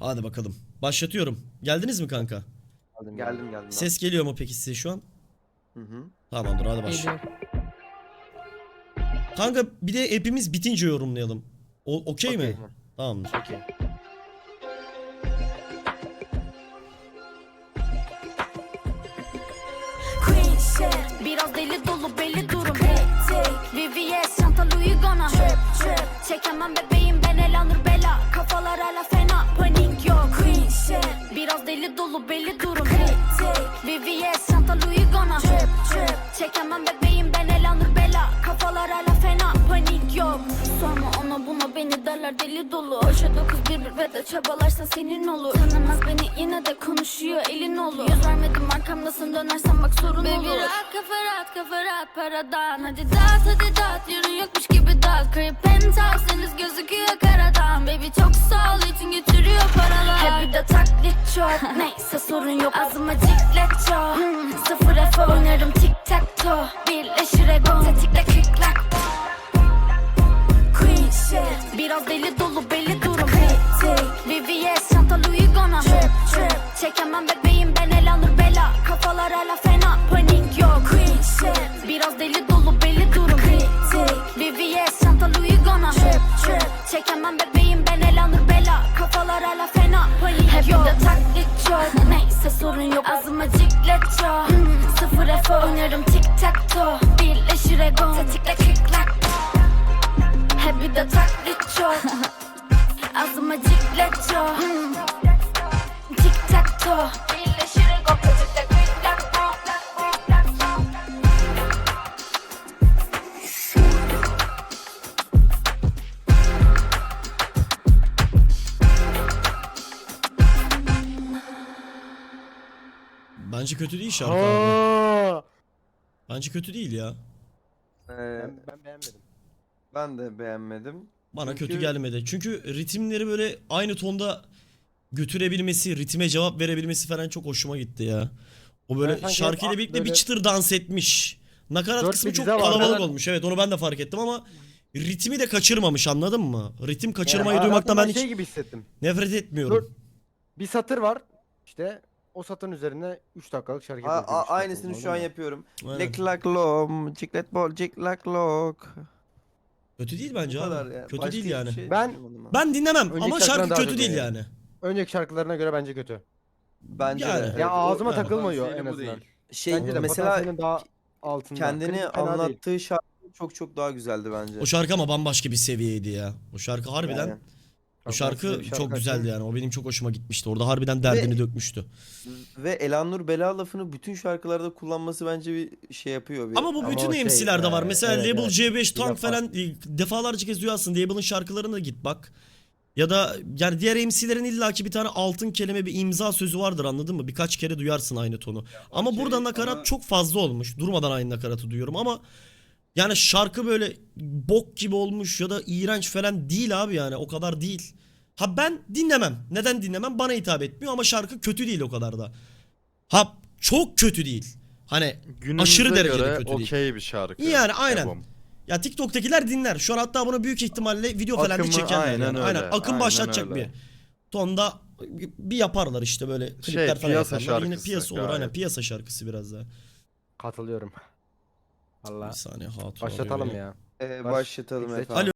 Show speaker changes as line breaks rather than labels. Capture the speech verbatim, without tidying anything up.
Hadi bakalım. Başlatıyorum. Geldiniz mi kanka?
Geldim geldim. geldim
Ses geliyor mu peki size şu an?
Hı hı.
Tamamdır, hadi başla. Kanka bir de hepimiz bitince yorumlayalım. O okey mi?
Okey.
Tamamdır.
Okey.
Queen shit, biraz deli dolu belli durum. V V S çanta Louis Gona. Çekemem bebeğim ben Elanur Bella. Kafalar hala fena, panik yok. Queen shit, biraz deli dolu belli durum. V V S çanta Louis Gona. Çekemem bebeğim ben Elanur Bella. Kafalar hala fena, panik yok. Sorma ona buna, beni derler deli dolu. Hoşa dokuz bir bir ve de çabalarsa senin olur. Tanımaz beni yine de konuşuyor elin olur. Yüz vermedim arkamdasın, dönersen bak sorun Baby, olur. Baby rahat kafa rahat kafa rahat paradan. Hadi dağıt hadi dağıt, yarın yokmuş gibi dağıt. Crib penthouse deniz gözüküyor karadan. Baby çok sağ ol için getiriyor paralar. Hep bir de taklit çok, neyse sorun yok. Ağzıma ciklet çok, hmm, sıfır F oynarım tic tac toe. Birleşir egon tetikle kıklak. Queen shit, biraz deli dolu belli durum. V V S çanta Louis Gona. Çekemem bebeğim ben Elanur Bella. Kafalar hala fena, panik yok. Queen shit, biraz deli dolu belli durum. V V S çanta Louis Gona. Çekemem bebeğim ben Elanur Bella. Kafalar hala fena, panik Hep yok. Hep de taklit çok, neyse sorun yok. Ağzıma ciklet çok, hmm, sıfır F oynarım tic tac toe. Birleşir egon tetikle kıklak. Hep bir de taklit çok. Ağzıma ciklet çok, hmm, tic tac toe. Birleşir egon tetikle kıklak.
Bence kötü değil şarkı abi.
Aa!
Bence kötü değil ya.
Ee,
Ben, ben beğenmedim.
ben de beğenmedim.
Bana
Çünkü-
kötü gelmedi. Çünkü ritimleri böyle aynı tonda götürebilmesi, ritme cevap verebilmesi falan çok hoşuma gitti ya. O
Ben
böyle
sanki
şarkıyla
hep
birlikte bir
böyle-
çıtır dans etmiş. Nakarat
Dört
kısmı
bir
çok
dize var.
kalabalık
Ben-
olmuş. Evet, onu ben de fark ettim ama ritmi de kaçırmamış, anladın mı? Ritim kaçırmayı
Yani
duymaktan ben
hayatımda
hiç
şey gibi hissettim.
nefret etmiyorum.
Dur. Bir satır var. İşte o satırın üzerine üç dakikalık şarkı
A-
yapıyor.
a- aynısını şu an yapıyorum.
Aynen.
Lick lak lom, ciklet bol, cik lak lok.
Kötü değil
Bu
bence
kadar
abi.
ya.
Kötü
Başka
değil
hiçbir
yani.
şey
Ben-
düşünmedim
Ben dinlemem
Önceki
ama
şarkıdan
şarkı
daha
kötü
kötü
değil
yani.
yani.
Önceki şarkılarına göre bence kötü.
Bence
Yani.
de.
Evet,
Ya
o-
ağzıma
evet.
takılmıyor en
potansiyeli bu
azından.
değil.
Şey
Bence de
mesela
potansiyelin daha altında.
kendini
Klip fena değil.
anlattığı şarkı çok çok daha güzeldi bence.
O şarkı ama bambaşka bir seviyeydi ya. O şarkı harbiden,
Yani.
o
Bak,
şarkı,
ben size bir şarkı
çok güzeldi
açayım.
yani. O benim çok hoşuma gitmişti. Orada harbiden derdini
Ve-
dökmüştü.
Ve Elanur Bela lafını bütün şarkılarda kullanması bence bir şey yapıyor. Bir...
Ama bu
Ama
bütün
o şey,
M C'lerde var.
e,
Mesela
evet,
Label
evet.
C beş
Bir
Tank
defa.
falan e, defalarca kez duyarsın. Label'ın şarkılarına git bak. Ya da yani diğer M C'lerin illaki bir tane altın kelime, bir imza sözü vardır, anladın mı? Birkaç kere duyarsın aynı tonu. Ama
okey,
burada nakarat
ama-
çok fazla olmuş. Durmadan aynı nakaratı duyuyorum ama yani şarkı böyle bok gibi olmuş ya da iğrenç falan değil abi, yani o kadar değil. Ha ben dinlemem. Neden dinlemem? Bana hitap etmiyor ama şarkı kötü değil o kadar da. Ha çok kötü değil. Hani
Günümüze
aşırı derecede
göre
kötü değil.
okey bir şarkı.
Yani aynen.
Ebom.
Ya TikTok'takiler dinler. Şu an hatta bunu büyük ihtimalle video falan da
Akımı
çekerler.
aynen
yani.
öyle,
Aynen. Akım
aynen
başlatacak
öyle.
bir tonda bir yaparlar işte böyle klipler falan
piyasa
yaparlar. Yine
şarkısı
piyasa olur, aynen,
gayet.
piyasa şarkısı biraz daha.
Katılıyorum.
Bir
Allah.
saniye hatun
Başlatalım
arıyor.
ya.
Ee,
Baş-
başlatalım
Yüksek-
efendim.
Alo.